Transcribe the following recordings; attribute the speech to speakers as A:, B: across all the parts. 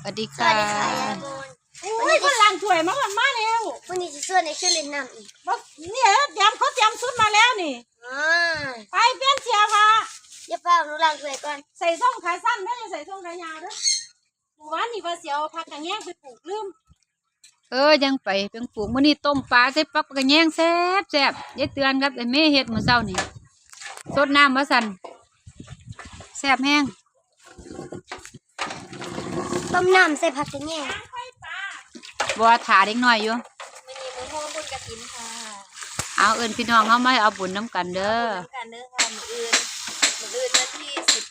A: วัสดี
B: สวั
A: ค่ะ
B: สดีค่ะยายบน
C: อุ้ยคนล้างถ้วยมาก่อนมาแล้ว
B: วันนี้จะชวนในช่วยเล่นน้ำอีก
C: บอกเนี่ยเตรียมเขาเตรียมชุดมาแล้วนี่
B: อ่า
C: ไปเปลี่ยนเสียผ้า
B: อย่าเฝ้าหนูล้างถ้วยก่อน
C: ใส่ส้มขาสั้นไม่ได้ใส่ส้มขายาวเด้อหมู่บ้านนี่ว่าเสียวผักกระแยงไปปลูกลืม
A: ยังไปเพิ่งปลูกมื้อนี้ต้มปลาใส่ปักกระแยงแซ่บยายเตือนครับไอ้แม่เฮ็ดมื้อเช้านี่สดน้ำว่าสั่นแซ่บแห้ง
B: ต้มน้ำใส่ผักกระแยง
A: บ่ถาเด็กน้อยอยู่
B: วันนี้มือโฮมบุญกระถินค่ะ
A: เอาเอิ้นพี่น้องเฮามาเอาบุญน้ำกันเด้อ
B: น้ำกันเด้อค่ะมืออื่นวันที่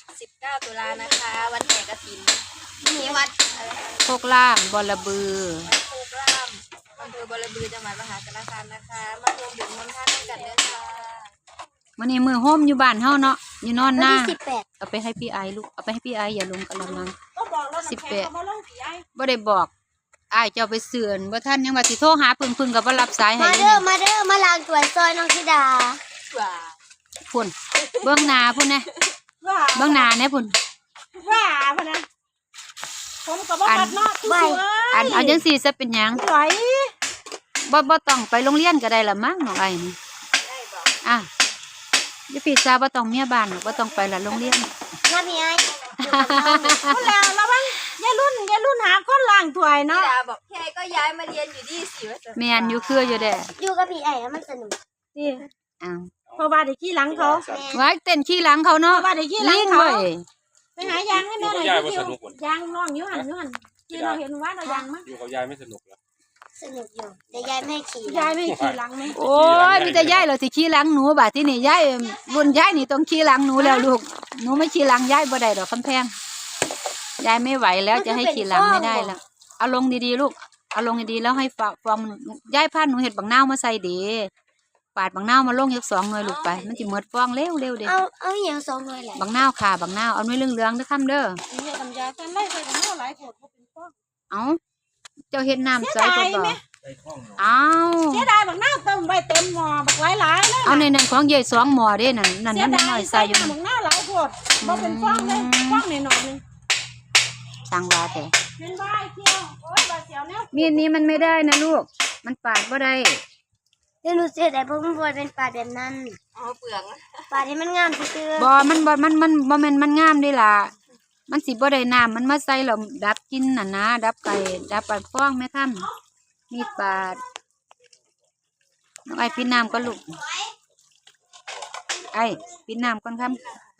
B: 19 ตุลานะคะ วันแห่กระถินที่วัดอะไร
A: โคกล่างบอระบือ
B: วัดโคกร่ามอำเภอบอระบือจังหวัดมหาสารคามนะคะมารวมดื่มมนต์ท่านกันเด้อค่ะ
A: มื้อนี้มื้อโฮมอยู่บ้านเฮาเนาะอยู่นอนห
B: วัน
A: น้า
B: ที่18
A: เอาไปให้พี่ไอลูกเอาไปให้พี่ไออย่าลงกะละมัง
C: ก็บอกแล้วน้ำแข็งเขามาลงผีไอ้
A: บ่ได้บอกอ้ายเจ้าไปเสือนบ่ทันยังว่าสิโทรหาพึ่งก็บ่รับสายให้
B: มาเด้อมาล้างถ้วยซอยน้องธิดา
C: ว่า
A: พุ่นเบื้องหน้าพุ่นนะ
C: ว่า
A: เบื้องหน้าแน่พุ่น
C: ว่าพะนะผมกับว่ากัดเนาะคือสวย
A: เอาจังซี่ซะเป็นหยัง
C: สวย
A: บ่ต้องไปโรงเรียนก็ได้ละมั้งน้องไอ้นี่
B: ได้บอก
A: อ่ะอย่าผิดซะบ่ต้องเมียบ้านบ่ต้องไปละโรงเรียน
B: น้าพี่ไอ้
C: คนแล้วแล้วบ้างยายรุ่นหาคนล้างถ้วย
B: ธิ
C: เนาะ
B: ดาบอกพี่ไอ้ก็ย้ายมาเรียนอยู่ที่ศรีวช
A: แม่นอยู่คืออยู่เด้อ
B: อยู่กับพี่ไอ้แล้วมันสนุก
C: นี่
A: อ้าว
C: เพราะว่าได้ขี้หลังเขา
A: ไว้เต้นขี้หลังเขาเนาะ
C: ว่าได้ขี้หลัง
A: ลิง
C: เขา
A: เว้ย
C: ไปหายางให้แม่หน่อย
D: ยายว่าสนุกกว่า
C: ยางน้องอยู่หันที่เราเห็นว่าเรายางมั้ง
D: อยู่กับยายไม่สนุกเหรอ
B: สนุกอยู่แต่ยายไม่ให้ขี่
C: ยายไม่ขี่หลังไหม
A: โอ้ยมีแต่ยายเหรอสิขี้หลังหนูบาดที่นี่ยายรุ่นยายนี่ต้องขี้หลังหนูแล้วลูกหนูไม่ขี้หลังยายบ่ได้ดอกคำแพงยายไม่ไหวแล้วจะให้ขี่หลังไม่ได้แล้วเอาลงดีๆลูกเอาลงดีๆแล้วให้ฟองยายพาหนูเห็ดบักนาวมาใส่เด้ปาดบักนาวมาลงยัก2หน่วยลูกไปมันสิหมดฟองเร็วเด้
B: เอาอย่าง2 หน่วยแหละ
A: บักนาวค่ะบักนาวเอาหน่วยเหลืองๆเด้อคำเด้อ
C: เนี่ยลำยากันไล่ไปกันเท่าหลายโผดเขาเป็นป้อง
A: เอาเจ้าเฮ็ดน้ำใส่ก็บ่เอา
C: เสียดายบักหน้าเติมใบเต็มหม้อบักหลายๆเลย
A: เอาในนั้นของยาย2หม้อเด้นั่นมันน้อยใส่อยู่
C: บักหน้าหลายโผดบ่เป็นป้องเลยป้องหน่อยนึง
A: สั่งว่าแต่
C: เป็นใบเที่ยวโอ้ยบาเสียวเนี่ย
A: มีดนี้มันไม่ได้นะลูกมันปาดบ่ได้
B: เดี๋ยวหนูเสียแต่เพราะมันบ่เป็นปลาแบบนั้น
C: อ๋อเปลือก
B: ปลาที่มันงามซื่อ
A: บ่มันบ่แม่นมันงามเด้ล่ะมันสิบ่ได้น้ำมันมาใส่แล้วดับกลินน่ะนะดับไก่ดับปาดฟองแม่ค่ำมีดปาดน้องไอ้ปิดน้ำก่อนลูกไอ้ปิดน้ำก่อนค่ำ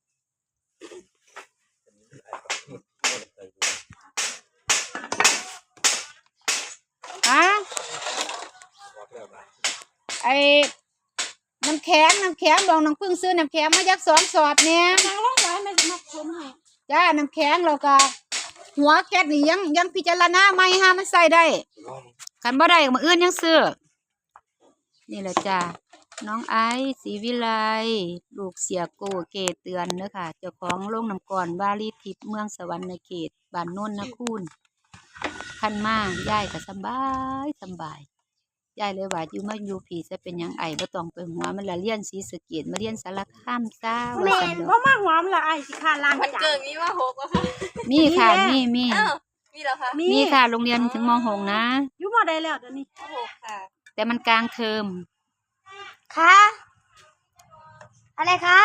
A: ไอ้น้ำแข็งบอกน้องพึ่งซื้อน้ำแข็งมายัก2 สอดเนี่ย
C: นางร้องไห้ไม่สมัครชมให้
A: จ้าน้ำแข็งแล้วก็หัวแก๊สนี่ยังพิจารณาใหม่หามันใส่ได้คันบ่ได้ก็มื้ออื่นยังซื้อนี่แหละจ้าน้องไอซ์ศรีวิไลลูกเสียโกเกตเตือนเด้อค่ะเจ้าของโรงน้ำก่อนวารีทิพย์เมืองสวรรค์เขตบ้านโน่นนะคุณคันมายายก็สบายยายเลยว่าอยู่มาอยู่ผีจะเป็นหยังไอบ่ต้องไปหัวมันละเรียนศรีสะเกษมาเรียนสารคามซ่าว่าซั่นดอก
C: บ่มาหอมละไอ้สิขาล้าง
B: ๆมัน
C: จา
B: เกิ
C: น
B: งนี้ว่า6อะค่ะ
A: มีค่ะมี
B: มีเหรอคะ
A: มีค่ะโรงเรียนถึงม.6 นะ
C: อยู่บ่ได้แล้วเดี๋ยวนี้
B: 6ค่ะ
A: แต่มันกลางเทอม
B: คะอะไรคะ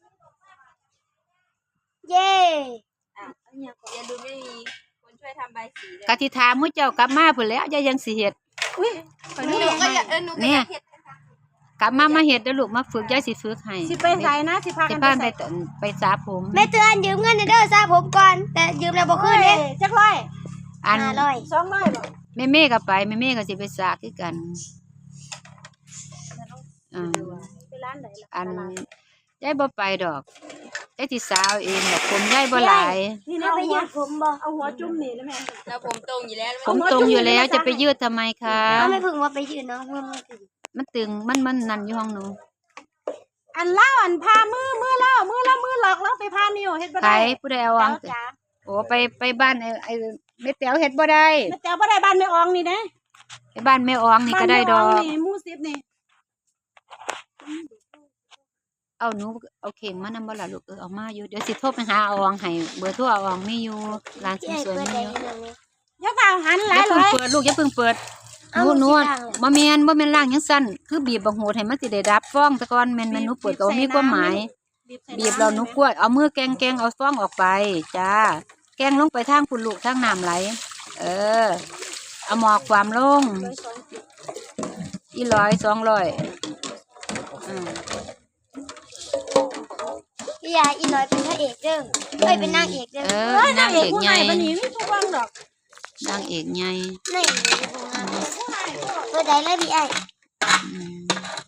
B: เย่เนี่ยอย่าดูไม่มีคนช่วยทำใบสีเลย
A: กะทิถามมื้อเจ้ากลับมาพุ่นแล้วยายยังสิเฮ็ด
C: อุ้ย
B: หนูก็อยากหนูก็อยากเฮ็ด
A: กลับมาเฮ็ดเด้อลูกมาฝึกยายสิฝึกให้
C: สิไปใส่นะสิพา
A: สิ
C: กัน
A: พา
C: ไป
A: ไป
C: ใส่
A: ไปสระผม
B: แม่เตือนยืมเงินเด้อซะผมก่อน แต่ยืมแล้วบ่คืนเด้
C: จักร้อย
A: อัน
B: 500
C: 200บ่
A: แม่ก็ไปแม่ก็สิไปสระคือกัน
C: ไปร้านไหนล่ะ
A: อันยายบ่ไปดอกยายสิสาวเองดอกผมยายบ่หลาย
C: นี่
B: แม่
C: นะ
B: ไปยืมผมบ่
C: เอาหัวจุ่มนี่แล้วแม่
B: แล้วผมตรงอยู่แล้ว
A: ผมตรงอยู่แล้วจะไปยืดทำไมคะ
B: เอาไม่พึ่งว่าไปยืนเนาะมันถึง
A: มันตึงมันนั่นอยู่ห้องหนู
C: อันเล่าอันพามือเล่ามือหลอกแล้วไปพานิ้วเฮ็ดบ่
A: ใคร
C: ได้
A: ผู้ใดเอาวาง
C: จ้า
A: โอ้ไปบ้านไอ้แม่แต๋วเฮ็ดบ่ได้
C: แม่แต่บ่ได้บ้านแม่อองนี่เด้
A: ไปบ้านแม่อองนี่ก็ได้ดอก
C: บ้านแม่อองนี่หมู่10นี่
A: เอาหนูเอาเข่งมานำบ่ล่ะลูกเอามาอยู่เดี๋ยวสิโทรไปหาเอาอองให้เบอร์โทรเอาอองมีอยู่ร้านเสริ
B: พี่
A: ม
B: ไอ้
A: สวย
B: เปิด
A: มี
B: ได้
A: อยู่
B: ยังไง
C: อย่าเปล่าหันห
A: อ
C: ลาย
A: ย่า
C: เล
A: เพิ่ง
C: ย
A: เปิดลูกอย่าเพิ่งเปิด
B: เอา
A: หนู
B: สิล้างเหรอ
A: บ่แม่นล่างจังซั่นคือบีบบางโหดให้มันสิได้ดับฟองแต่ก่อนแม่นหนูเปิดก็บ่มีความหมาย บีบเราหนูกล้วยเอามือแกงเอาฟองออกไปจ้าแกงลงไปทางคุณลูกทางน้ำไหลเอาหมอกความลงอี100 200
B: พี่ยาอีร้อยเป็นพระเอกเด้อเอ้ยเป็นนางเอกเด้อ
A: นางเอก
C: ผู้
A: ให
C: ให
A: ญ่
C: ญ่ปานนี้มีผู้ฟังดอก
A: นางเอกใหญ่
B: นี่เปิดได้เลยพี่ไอ้
A: อืม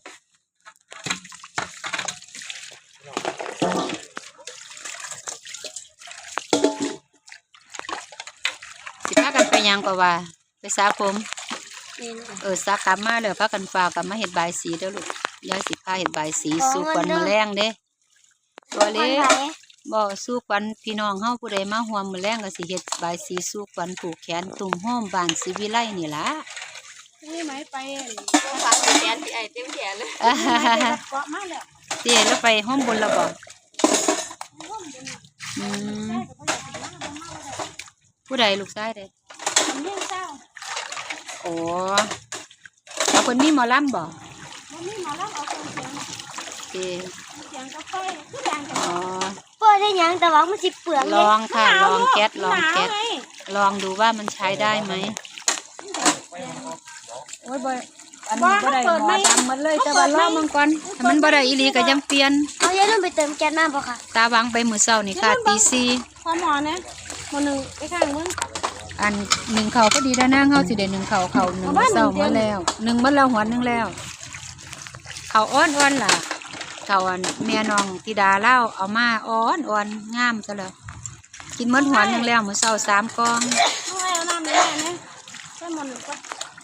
A: สิพากันไปยังกว่าไปสระผม
B: นี่นะ
A: สระกลับมาเลยพากันฝากกลับมาเฮ็ดบายสีเด้อลูกยายสิพาเฮ็ดบายสีสู่ควันมื้อแรงเด้ตัว
B: ค
A: เล็
B: น
A: ก
B: ไหน
A: บ่สู้ควันพี่น้องเฮาผู้ใดมาร่วมมื้อแรงก็สิเฮ็ดบายสีสู้ควันผูกแขนตุ่มโฮมบ้านศิวิไลนี่ล่ะ
C: นี่ไหมไป
B: ฝากแขนพี่ไอ้เต็มแขนเลย
C: เกาะมาแล้ว
A: เตี้ยแล้วไปห้องบนแล้วบ่อืมผู้ใดลูกชายเด้
C: ทำเรื่องเศร้า
A: โอ้เอาเพิ่นมีหมอลำบ่
C: มันมีหมอรับเอาคนเสียง
A: เตี้ย
C: เสียงกาแฟทุกอย่างจะ
A: อ๋อ
B: เปิดได้ยังแต่ว่ามันสิเปลือง
A: ล
B: เลย
A: องค่ะลองแก๊สลองแก๊ส
C: หนาวไง
A: ลองดูว่ามันใช้ได้ไหมโอ้ยบ่อันนี้บ่ได้หมอดำหมดเลยแต่ว่าลองมันก่อนถ้ามันบ่ได้อีหลีก็ยังเปลี่ยน
B: เอาอย่าลืมไปเติมแก๊สมาบ่ค่ะ
A: ตาวางไปมื้อเช้านี่ค่ะตี 4
C: พอหมอนะหมอหนึ่งไปข้างมึง
A: อันหนึ่งเขาก็ดีด้านหน้าเขาสิเด่นหนึ่งเขาหนึ่ง
C: เอาบ้าน
A: เศร้า
C: หนึ่งเดือน
A: มาแล้วหนึ่งมาแล้วหัวหนึ่งแล้ว เขาอ้อนล่ะเขาอันเมียน้องธิดาเล่าเอามาอ้อนงามซะแล้วกินหมดหัวหนึ่งแล้วมื้อเช้า3 กล่อง
C: เอาไว้เอาน้ำในแม่นะใช่หมอหนึ่งก็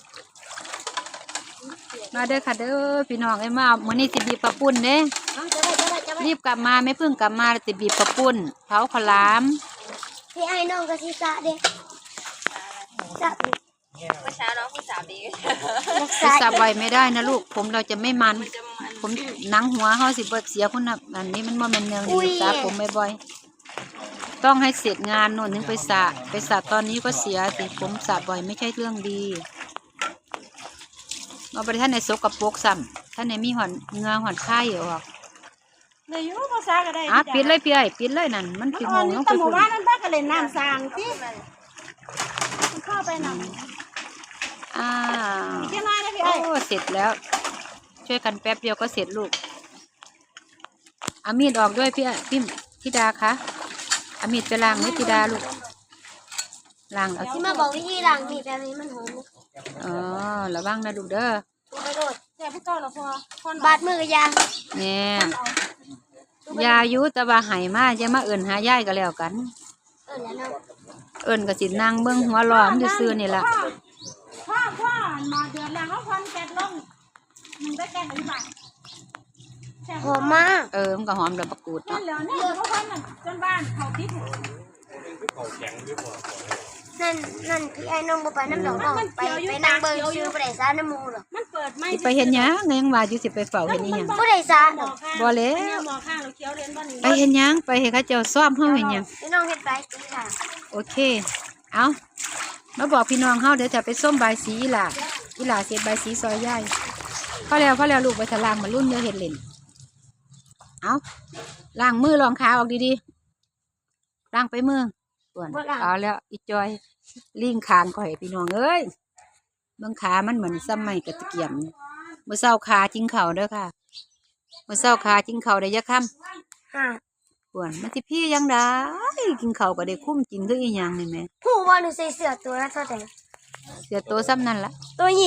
A: มาเด้อค่ะเด้อพี่น้องไอ้มามื้อนี้สิบีบปลาปุ้นเด้
B: เอาจะไป
A: รีบกลับมาไม่เพิ่งกลับมาสิบีบปลาปุ้นเผาข้าวหลาม
B: พี่ไอ้น้องก็สิสะเด้สะ
D: เมื่อเช้าน้องผู้สาวดี
B: รัก
A: สิ
B: ษา
A: สับไว้ไม่ได้นะลูกผมเราจะไม่มันผมหนังหัวเฮาสิบ่เสียคุณน่ะอันนี้มันบ่แม่นเนืองดีสระผมบ่อยๆต้องให้เสร็จงานโน่นถึงไปสระตอนนี้ก็เสียสิผมสระบ่อยไม่ใช่เรื่องดีมาบ่ได้ท่านในสกปรกซ้ำท่านในมีหอนเหงือหอนไข่ออก
C: เลยอยู่ภาษาก็ได้
A: ปิดเลยพี่ไอ้ปิดเลยนั่นมัน
C: มัน
A: กี่
C: อ่
A: โม
C: อน
A: ง
C: นี่
A: เนาะ
C: แต่
A: ไป
C: หมู่
A: คุณ
C: บ้านนั้นบ้านก็เล่นน้ำสางที่เข้าไปนำ
A: อ้าว
C: เที่ยน้อยนะพี่
A: โอ้
C: ไอ้
A: เสร็จแล้ว ช่วยกันแป๊บเดียวก็เสร็จลูกเอามีดออกด้วยพี่ธิดาคะเอามีดไปล้างไว้ธิดาลูกล้างเอา
B: ที่มาบอกวิธีล้างมีดแบบนี้มันหอม
A: อ๋อระวังนะลูกเด้อ
B: ไปโดด
C: แต่พวกเจ้าเราพอพอน
B: บาดมือกับยา
A: เนี่ยยายุแต่ว่าใหายมาจะมาเอิ่นหายายก็แล้วกัน
B: แล้วน้อง
A: เอิ่นก็สินั่งเบิ่งหัวล้อมซื่อๆนี่ล่ะ
C: พ่อมาเดือนแล้วเขาพันแกนลงมึงได้แกนอีกบาท
B: หอมมาก
A: มันก็หอมดอกประกูด
C: นั่
A: เนาะ
C: นเหลือนี่เขาพันจนบ้านเขาติด
B: นั่นพี่ไอ้น้องบ่ไปน้ำดอกน้องไปนั่งเบิ่งซื้อบ่ได้ซาน้ำมูหรอก
C: มันเปิดไม่
A: สิไปเฮ็ดหยังยังว่าอยู่สิไปเฝ้าเฮ็ดอีหยัง
B: บ่ได้ซาดอก
A: บ่แล้ว
C: หมอข้างเราเคี้ยวเรียนบ้าน
A: ไปเฮ็ดหยังไปให้เขาเจ้าซ้อมเฮาเฮ็ดหยัง
B: พี่น้องเฮ็ดไปสิค่ะ
A: โอเคเอามาบอกพี่น้องเฮาเดี๋ยวจะไปส้มใบายสีอีหล่าเสร็จใบายสีซอยย่ายพอแล้วลูกไปทะลางมารุ่นเดี๋ยวเฮ็ดเล่นเอาล้างมือรองขาออกดีๆล้างไปมือส่วนเอาแล้วอีจอยลิงคางข่อยพี่น้องเอ้ยเบิ่งขามันเหมือนซ้ำไม่กระตะเกียมมื้อเช้าขาจิ้งเข่าเด้อค่ะมื้อเช้าขาจิ้งเข่าได้ยักค่ำ
B: ค่ะ
A: ส่วนมันสิพี่ยังได้กินเข่าวก็ได้คุ้มกินคืออีหยังนี่แหม่
B: ผู้ว่าหนูใส่เสื้อตัวละเท่าไหร่
A: เสียตัวซ้ำนั่นละ
B: ตัว20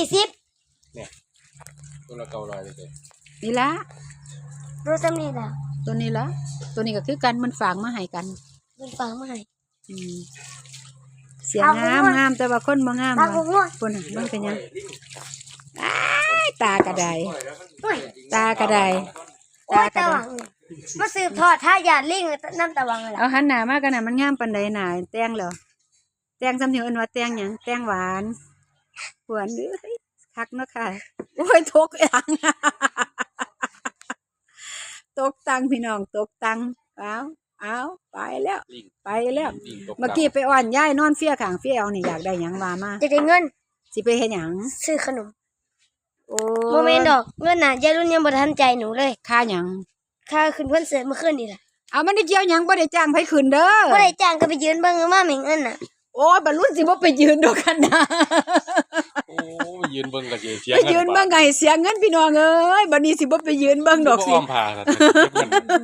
D: ตัวละ900เลย
A: นี่ละ
B: รู้ซ้ำนี่ล่ะ
A: ตัวนี้ละตัวนี้ก็คือกันมันฝากมาให้กัน
B: มันฟังมาให้
A: อืมเสียง
B: เอาผม
A: งาม
B: ว่า
A: งามแต่ว่าคนบ่งาม
B: ตา
A: ว่ะ
B: ผมว่า
A: คนน่ะมันเป็นหยังอ้ายตากระได
B: โอ้ย
A: ตากระได
B: โอ้ยตาหวังมาสืบทอดถ้าหยาดลิงน้ำตาหวังล่ะ
A: เอาหันหน้ามากันน่ะมันงามปานใดหน่าแต่งเหรอแต่งซ้ำที่เอิ้นว่าแต่งหยังแต่งหวานหวานเด้อคักเนาะค่ะโอ้ยทกอย่าง ตตกตังพี่น้องตกตังเอาไปแล้ว
D: ลิง
A: ไปแล้ว
D: ลิงตก
A: เมื่อกี้ไปอ่อนยายนอนเฟี้ยข้างเฟี้ยเอานี่อยากได้หยังว่ามา
C: จะได้เงิน
A: สิไปเฮ็ดหยัง
C: ซื้อขนม
A: โอ้
C: โมเมนต์ดอกเงินน่ะยายรุ่นยังบ่ทันใจหนูเลย
A: ค่าหยัง
C: ค่าขึ้นคอนเสิร์ตเมื่อคืนนี่ล่ะ
A: เอามันได้เกี่ยวหยังบ่ได้จ้างไผขึ้นเด้อ
C: บ่ได้จ้างก็ไปยืนเบิ่งมาแม่งเงินน่ะ
A: โอ้ยบรรลุสิบ่ไปยืนดอกกันนะ
D: โอ้ยืนเบิ่งก็สิเสีย
A: ไปยืนเบิ่งก็ให้เสียเงินพี่น้องเอ้ยบัดนี้สิบ่ไปยืนเบิ่งดอกสิ
D: อ้อมผ่าครับเก็บเงิน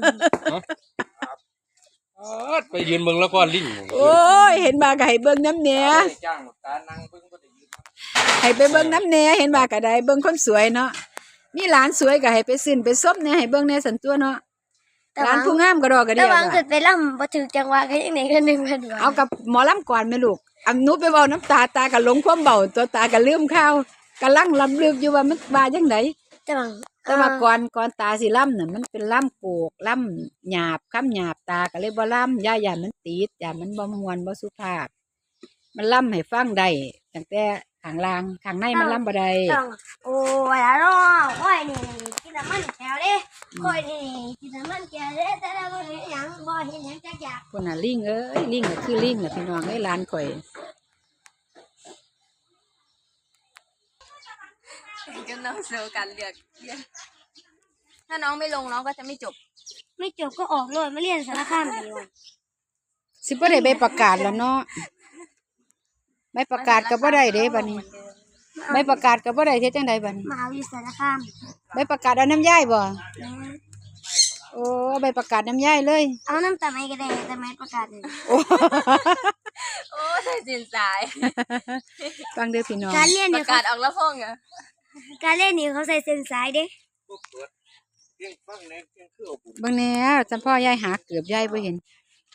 D: ไปยืนเบิ่งแล้วก็ลิง
A: โอ้ยเห็นมาก็ให้เบิ่งน้ำแหน่
D: จ้างตานั่งเบิ่งบ่ได้ยืน
A: ให้ไปเบิ่งน้ำแหน่เห็นมาก็ได้เบิ่งคนสวยเนาะมีหลานสวยก็ให้ไปซื้อไปซบแหน่ให้เบิ่งแหน่สันตัวเนาะหลานผู้งามก็ดอกก็
C: แต่
A: เดียว
C: ว่า
A: อะ
C: ขึ้นไปล่ำบ่ถึกจังหวะก็ยังได้เงิน1,000บาท
A: เอากับหมอลำก่อนแม่ลูกอันหนูไปเว้าน้ำตาก็หลงความเบาตัวตาก็ลืมข้าวกำลังลำลึกอยู่ว่ามันว่าจังได แต่ว่าก่อนตาสิล่ำน่ะมันเป็นล่ำโกกล่ำหยาบคำหยาบตาก็เลยบ่ล่ำย่ามันติดย่ามันบ่ม่วนบ่สุภาพมันล่ำให้ฟังได้ตั้งแต่ข้างล่างข้างในมันล่ำบ่ได้
C: ต้องโอ้ยล่ะน้องโอ้ยนี่กินน้ำมันแก้วเด้โอ้ยนี่กินน้ำมันแก้วเด้แต่ละบ่เห็นหยังบ่เห็นหยังจักอย่าง
A: คนน่ะลิงเอ้ยลิงก็คือลิงน่ะพี่น้องเอ้ยหลานข่อย
B: ก็น้องเซลกันเลือกถ้าน้องไม่ลงน้องก็จะไม่จบ
C: ไม่จบก็ออกเลยมาเรียนสารคามดีกว่า
A: สิบ่ได้ใบประกาศแล้วเนาะใบประกาศก็บ่ได้เด้บัดนี้ใบประกาศก็บ่ได้เฮ็ดจังไดบัดนี้
C: มาเอาอยู่สารคาม
A: ใบประกาศเอาน้ำย่ายบ่
C: นะ
A: โอ้ใบประกาศน้ำย่ายเลย
C: เอาน้ำตาไม้ก็ได้แต่ไม้ประกาศนี่
A: โอ้
B: โอ้ใส่สินสาย
A: ฟังเด้อพี่น้อง
C: การเรียน
B: ป
C: เนี่ย
B: ระกาศออกแล้วพ่องเหรอ
C: การเล่นนี่เขาใส่เส้นสายเด้
D: เพียงฟังในเพียงคือเอาบุญ
A: เบิ่งแหน่จำพ่อยายหาเกือบยายบ่เห็น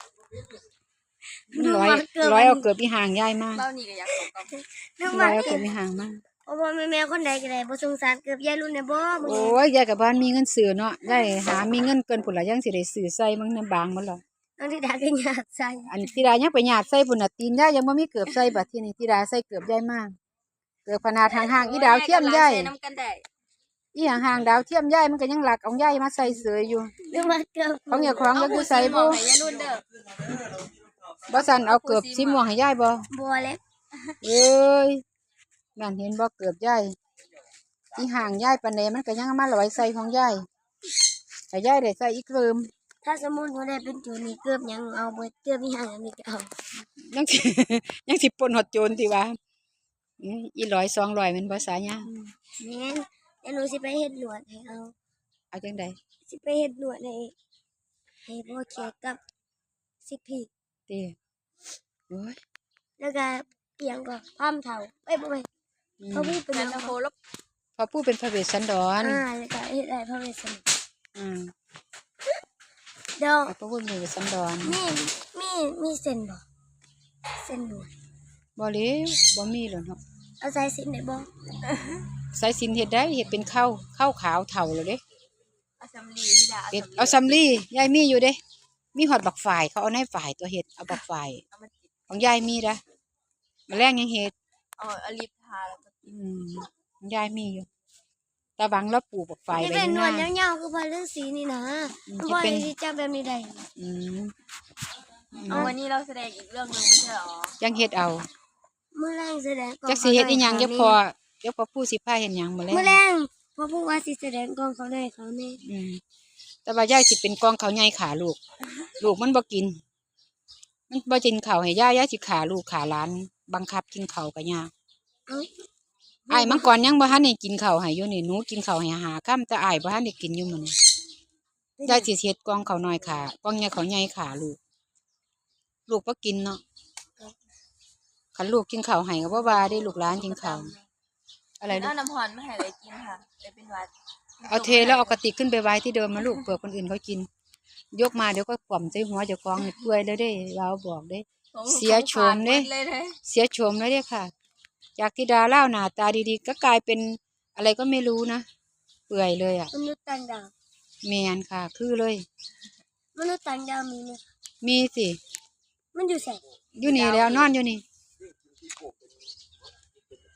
A: มันร้อยเอาเกือบอีห่างยายมาก
B: เบ้านี่ก็อยากตกกับ
C: นึก
A: ร้
C: ว่า
A: อยเอาเกือบอีห่างมาก
C: โอ้บ่แม่คนใดก็ได้บ่สงสารเกือบยายรุ่นเนี่ยบ่
A: โอ้ยยายกับบ้านมีเงินซื้อเนาะยายหามีเงินเกินพุ่นละยังสิได้ซื้อใส่มันน้ำบางมันหรอก
C: น้องที่ดาก็อยากใส่
A: อันธิดายังไปหยาดใส่พุ่นน่ะตีนยายยังบ่มีเกือบใส่บัดทีนี้ธิดาใส่เกือบยายมากเกือบขนาดห่างๆอีดาวเทียมยาย
B: น้ำกันได้
A: อีห่างๆดาวเทียมยายมันก็ยังหลักเอายายมาใส่เสยอยู่
C: นึกว่าเกือบ
A: ของอย่าของยังอยู่ใส่
B: บ่
A: บ่
B: ให้ยายรุ่นเด้อ
A: บ่สั่นเอาเกือบสีม่วงให้ยายบ่
C: บัวเล็บ
A: เอ้ยนั่นเห็นบ่เกือบยายอีห่างยายปานใดมันก็ยังเอามาลอยใส่ของยายให้ยายได้ใส่อีกเริ่ม
C: ถ้าสมมุติว่าได้เป็นโจรนี่เกือบหยังเอาเบิดเกือบมีหางมีก็เอา
A: ยังสิ ยังสิปนหดโจรติว่าอี100 200มันภาษายา
C: แม่นเดี๋ยวหนูสิไปเฮ็ดหนวดให้เอา
A: เอาจังได๋
C: สิไปเฮ็ดหนวดให้พ่อเขียกับสิกพี
A: ติโอ้ย
C: แล้วก็เอียงก็พามเฒ่าเอ้ยบ่แม่นเขามีเป็นห
B: แต่
C: ยัง
B: ตะโพ
C: บ่
B: ลบ
A: พอผู้เป็นพระเวสสันดร
C: แล้วก็เฮ็ดได้พระเวสสันดร
A: อืม
C: เดี๋ยว
A: พอผู้เป็นพระเวสสันดร
C: มีเส้นบ่เส้นหนวด
A: บ่เลวบ่มีหรอกเนาะ
C: เอาใส่สินได้บ่
A: สายสิญจน์เฮ็ดได้เฮ็ดเป็นข้าวขาวเฒ่าแล้วเด้
B: อาสำลีที่ดา
A: เฮ็ดเอาสำลียายมีอยู่เด้มีฮอดบักฝ่ายเขาเอาในฝ่ายตัวเฮ็ดเอาบักฝ่าย
B: เอามาติด
A: ของยายมีนะแมลงยังเฮ็ด
B: เอาลิปทาแล้วก็
A: ของยายมีอยู่ตาบังแล้วปลูกบักฝ่าย
C: จะ
A: ไว้
C: เป็
A: อน ยู่
C: หนวด
A: นะ
C: ยาวๆคือพระฤาษีนี่นะ
A: จะ
C: บ่
A: เป็น
C: ได้จับแบบนี้ได้
A: อืม
B: เอาวันนี้เราแสดงอีกเรื่องหนึงไม่ใช่หรอ
A: ยังเฮ็ดเอา
C: มื้อแรงแสดงกอง
A: จักสิเฮ็ดอีหยังเดี๋ยวพอผู้สิพาเฮ็ดหยังมื้อแล
C: มื้อแรง งพอพูดว่าสิแสดงกองเขาได้เขาแน่
A: แต่ว่ายายสิเป็นกองเขาวใหญ่ขาลูก ลูกมันบ่กิน มันบ่กินข้าวให้ยายสิขาลูกขาหลาน บังคับกินข้าวก็ยาก
C: เอ้า
A: อ้ายมังกรยังบ่ทันได้กินข้าวให้อยู่นี่หนูกินข้าวให้หาค่ำแต่อ้ายบ่ทันได้กินอยู่มื้อนี้ยายสิเฮ็ดกองข้าวน้อยขากองใหญ่ข้าวใหญ่ขาลูก ลูกบ่กินเนาะคันลูกกินข้าวให้ก็บ่ว่าได้ลูกหลานกินข้าวอะไรลู
B: เอา
A: ก
B: น้ำหอนมาให้เลยกินค่ะเลยเป็นหวัด
A: เอาเทแล้วเอากระติกขึ้นไปไว้ที่เดิมมาลูกเผื่อคนอื่นเขากิน ยกมาเดี๋ยวก็กล่อมใส่หัวเจ้าของนี่เปื่อยแล้วเด้เราบอกเด้ เสียโฉมเด้
B: เลยนะ
A: เสียโฉมแล้วเด้ค่ะ จากที่ดาเล่าหน้าตาดีๆก็กลายเป็นอะไรก็ไม่รู้นะเปื่อยเลยอ่ะ
C: มนุษย์ต่างดาว
A: แมนค่ะ คือเลย
C: มนุษย์ต่างดาวมีไหม
A: มีสิ
C: มันอยู่แสง
A: อยู่นี่แล้วนอนอยู่นี่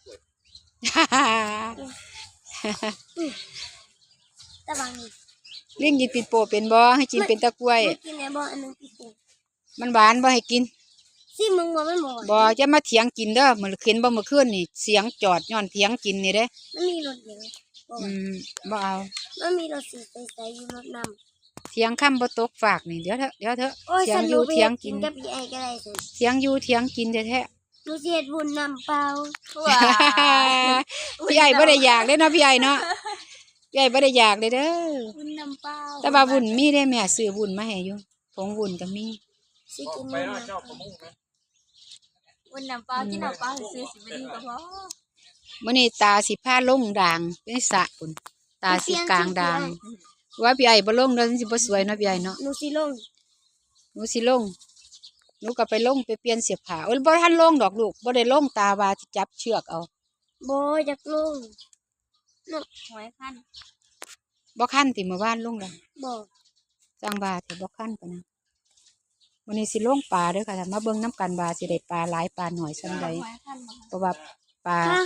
C: ตะบางนี่
A: ลิงกินปิดโปเป็นบ่ให้กินเป็นตะกล้วย
C: มันกินไหนบ่อันนึงพี่ปู
A: มันหวานบ่ให้กิน
C: ซิมึงบ่มันบ่
A: บ่จะมาเถียงกินเด้อมื้อคืนบ่มื้อคืนนี่เสียงจอดย้อนเถียงกินนี่เด้
C: มันมีรถเดียวบ่
A: บ่เอา
C: มันมีรถสีใสๆอยู่รถนำ
A: เถียงคำบ่ตกฝากนี่เดี๋ยวเถอะ
C: โอ้ย
A: เถีย
C: ฉั
A: ง
C: น
A: อยู่
C: ไป
A: เถียง
C: กิ
A: กิ
C: น
A: น
C: กับพี่ไอ้ก็ได้สิ
A: เถียงอยู่เถียงกินแท้
C: หนูสิเฮ็ดบุญนำเปล่า
B: ว้า
A: ๆ พี่ไอ้บ่ได้อยากเด้เนาะพี่ไอ้เนาะพี่ไอ้บ่ได้อยากเลยเด้อ
B: บุญนำเป้า
A: แต่ว่าบุญมีได้แม่ซื้อบุญมาให้อยู่ผงบุญก็มี
C: สิ
D: บอก
C: กิน
D: ไป
C: มื้อ
D: เนาะ
C: นี้
D: เจ้าประมุงนะ
B: บุญนำเป้ากินนำเป้าซื้อสิบดีก็พอ
A: มื้อนี้ตาสิพาลงด่างในสระพุ่นตาสิกลางด่างว่าพี่ไอ้บ่ลงเด้อมันสิบ่สวยเนาะพี่ไอ้เนาะ
C: หนูสิลง
A: หนูสิลงหนูก็ไปลงไปเปลี่ยนเสื้อผ้าโอ้ยบ่ทันลงดอกลูกบ่ได้ลงตาว่าสิจับเชือกเอา
C: บ่อยากลง
B: หอยขั้น
A: บ่คันติเมื่อวานลงแล้ว
C: บ่
A: จังว่าแต่บ่คันปานนั้นวันนี้สิลงปลาเด้อค่ะถ้ามาเบิ่งน้ำกันว่าสิได้ปลาหลายปลาน้อยส่ำใด
B: หอยขั้นมา
A: เพราะว่าปลา
C: ฮะ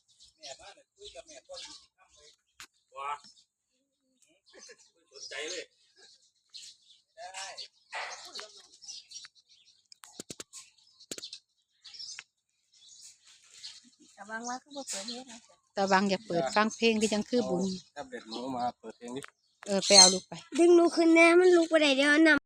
D: สนใจเลย
B: แต่บางว่าก็บ่เปิดเฮ็ดนะ
A: ตะวังอยากเปิดฟังเพลงก็จังคือบุญ
D: แท็บเล็ตหนูมาเปิดเพลงนี้
A: ไปเอาลูกไป
C: ดึงหนูขึ้นแน่มันลุกบ่ได้เดี๋ยวนำ